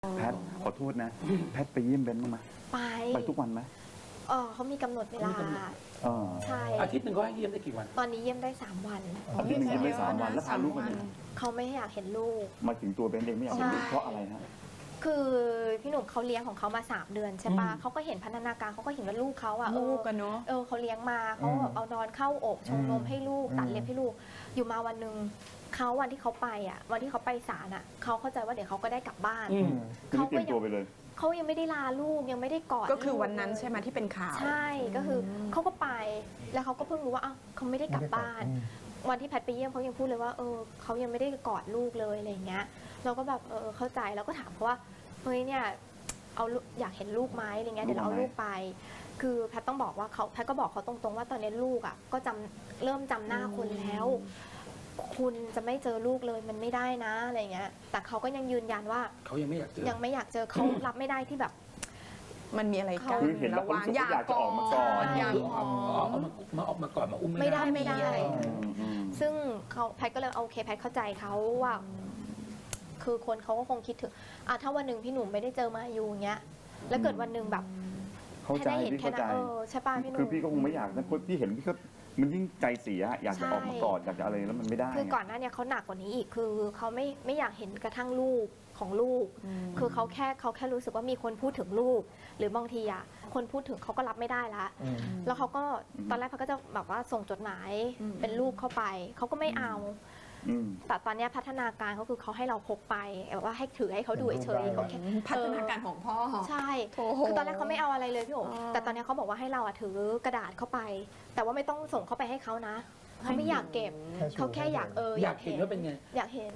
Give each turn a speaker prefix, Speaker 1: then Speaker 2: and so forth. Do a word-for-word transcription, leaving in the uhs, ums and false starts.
Speaker 1: แพทขอโทษนะแพทไปเยี่ยมเบนบ้างไหม
Speaker 2: ไป
Speaker 1: ไปทุกวันไหม
Speaker 2: เออเขามีกำหนดเวลา
Speaker 1: เออ
Speaker 2: ใช่
Speaker 3: อาทิตย์หนึ่งก็ให้เยี่ยมได้กี่วัน
Speaker 2: ตอนนี้เยี่ยมได้สามวัน
Speaker 1: อาทิตย์หนึงเยี่ยมได้สามวันแล้วพาลูกไปไหน
Speaker 2: เขาไม่อยากเห็นลูก
Speaker 1: มาถึงตัวเบนเองไม่อยากเห็นลูก
Speaker 2: ใช่
Speaker 1: เพราะอะไรฮะ
Speaker 2: คือพี่หนุ่มเขาเลี้ยงของเขามาสามเดือนใช่ปะ
Speaker 3: อืม
Speaker 2: เขาก็เห็นพัฒนาการเขาก็เห็นว่าลูกเขาอะเอ
Speaker 4: ลู
Speaker 2: อก
Speaker 4: กันเนาะ
Speaker 2: เออเขาเลี้ยงมาเขาแบบเอานอนเข้าอกชงนมให้ลูกตัดเล็บให้ลูก อยู่มาวันหนึ่งเขาวันที่เขาไปอะวันที่เขาไปศาลอะเขาเข้าใจว่าเดี๋ยวเขาก็ได้กลับบ้าน
Speaker 3: อืม
Speaker 1: คือไม่เตรียมตัวไปเลย
Speaker 2: เขายังไม่ได้ลาลูกยังไม่ได้กอด
Speaker 4: ก็คือ
Speaker 2: ลู
Speaker 4: วันนั้นใช่ไหมที่เป็นข่าว
Speaker 2: ใช่ก็คือเขาก็ไปแล้วเขาก็เพิ่งรู้ว่าอ้าวเขาไม่ได้กลับบ้าน วันที่แพทย์ไปเยี่ยมเขายังพูดเลยว่าเออเขายังไม่ได้กอดลูกเลยอะไรอย่างเงี้ยเราก็แบบเออเข้าใจแล้วก็ถามเขาว่าเฮ้ยเนี่ยเอาลูกอยากเห็นลูกไหมอะไรเงี้ยเดี๋ยวเราเอาลูกไป คือแพทย์ต้องบอกว่าเขาแพทย์ก็บอกเขาตรงๆว่าตอนนี้ลูกอ่ะก็จำเริ่มจำหน้าคนแล้ว คุณจะไม่เจอลูกเลยมันไม่ได้นะอะไรเงี้ยแต่เขาก็ยังยืนยันว่า
Speaker 3: เขายังไม่อยากเจอ
Speaker 2: ยังไม่อยากเจอเขารับไม่ได้ที่แบบ
Speaker 4: มันมีอะไรกัน
Speaker 1: คือเห็นแล้วเขารู้สึกว่าอยากจะออกมาก่อน
Speaker 4: อยาก
Speaker 3: คือ
Speaker 4: อ
Speaker 3: เอา
Speaker 4: อก
Speaker 3: เอามามาออกมาก่อนมาอุ้ม
Speaker 2: ไม่
Speaker 3: ไม่
Speaker 2: ได้
Speaker 3: ได้
Speaker 2: ไม่ได้
Speaker 1: อืมอืม
Speaker 2: ซึ่งเขาแพทย์ก็เลยโอเคแพทย์เข้าใจเขาว่า คือคนเขาก็คงคิดถึงอ่ะถ้าวันหนึ่งพี่หนุ่มไม่ได้เจอมาอยู่อย่างเงี้ย แล้วเกิดวันหนึ่งแบบ
Speaker 1: เข้าใจ
Speaker 2: แค่ได้เห็น
Speaker 1: พี่
Speaker 2: แค่
Speaker 1: เข้า
Speaker 2: นั้
Speaker 1: ใจ
Speaker 2: นเออใช่ป่ะพี่หนุ่ม
Speaker 1: คือพี่ก็คงไม่อยากนะคนที่เห็นพี่ก็มันยิ่งใจเสียอยากจะออกมาก่อนอยากจะอะไรแล้วมันไม่ได้
Speaker 2: คือก่อนหน้าเนี้เขาหนักกว่านี้อีกคือเขาไม่ไม่อยากเห็นกระทั่งลูกของลูก คือเขาแค่เขาแค่รู้สึกว่ามีคนพูดถึงลูก หรือบางทีอ่ะคนพูดถึงเขาก็รับไม่ได้ละแล้วเขาก็ตอนแรกเขาก็จะแบบว่าส่งจดหมายเป็นรูปเข้าไปเขาก็ไม่เอา
Speaker 1: อืม
Speaker 2: แต่ตอนเนี้ยพัฒนาการเขาคือเขาให้เราพกไปแบบว่าให้ถือให้เขาดูเฉยๆเขาแค่
Speaker 4: พัฒนาการของพ่อ
Speaker 2: ใช่
Speaker 4: โอ้โห
Speaker 2: คือตอนแรกเขาไม่เอาอะไรเลยพี่โอ๋
Speaker 4: อ๋อ
Speaker 2: แต่ตอนเนี้ยเขาบอกว่าให้เราอะถือกระดาษเข้าไป แต่ว่าไม่ต้องส่งเข้าไปให้เขานะเขาไม่อยากเก็บเขาแค่อยากเอออยาก ก
Speaker 3: อายเห็
Speaker 2: เห็
Speaker 3: น
Speaker 2: น
Speaker 3: ว่าเป็นไง
Speaker 2: อยากเห็น